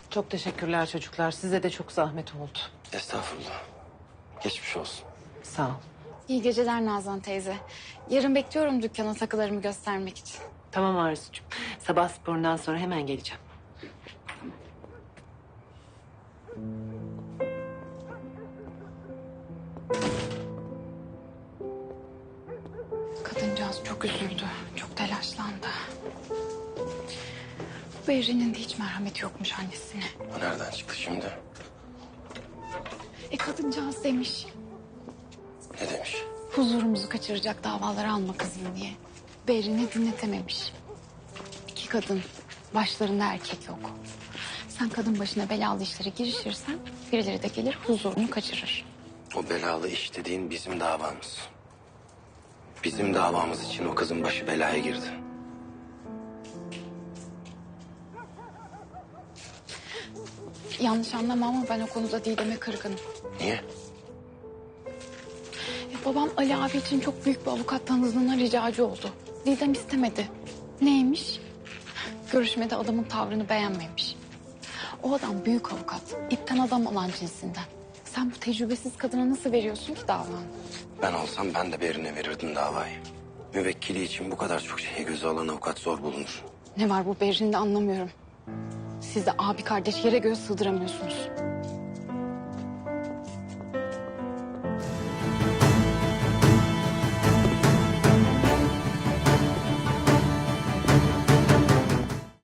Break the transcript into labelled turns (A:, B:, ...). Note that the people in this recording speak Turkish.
A: Çok teşekkürler çocuklar. Size de çok zahmet oldu.
B: Estağfurullah. Geçmiş olsun.
A: Sağ ol.
C: İyi geceler Nazan teyze. Yarın bekliyorum dükkana takılarımı göstermek için.
A: Tamam Arzucuğum. Sabah sporundan sonra hemen geleceğim.
C: Kadıncağız çok üzüldü. Çok telaşlandı. Bu Berrin'in de hiç merhameti yokmuş annesine.
B: O nereden çıktı şimdi?
C: Kadıncağız demiş.
B: Ne demiş?
C: Huzurumuzu kaçıracak davaları alma kızım diye. Berrin'i dinletememiş. İki kadın, başlarında erkek yok. Sen kadın başına belalı işlere girişirsen birileri de gelir huzurunu kaçırır.
B: O belalı iş dediğin bizim davamız. Bizim davamız için o kızın başı belaya girdi.
C: Yanlış anlama ama ben o konuda Didem'e kırgınım.
B: Niye?
C: Babam Ali abi için çok büyük bir avukat tanıdığına ricacı oldu. Didem istemedi. Neymiş? Görüşmede adamın tavrını beğenmemiş. O adam büyük avukat. İpten adam olan cinsinden. Sen bu tecrübesiz kadına nasıl veriyorsun ki davanı?
B: Ben olsam ben de Berin'e verirdim davayı. Müvekkili için bu kadar çok şeyi göze alan avukat zor bulunur.
C: Ne var bu Berrin'de anlamıyorum. Siz de abi kardeş yere göğe sığdıramıyorsunuz.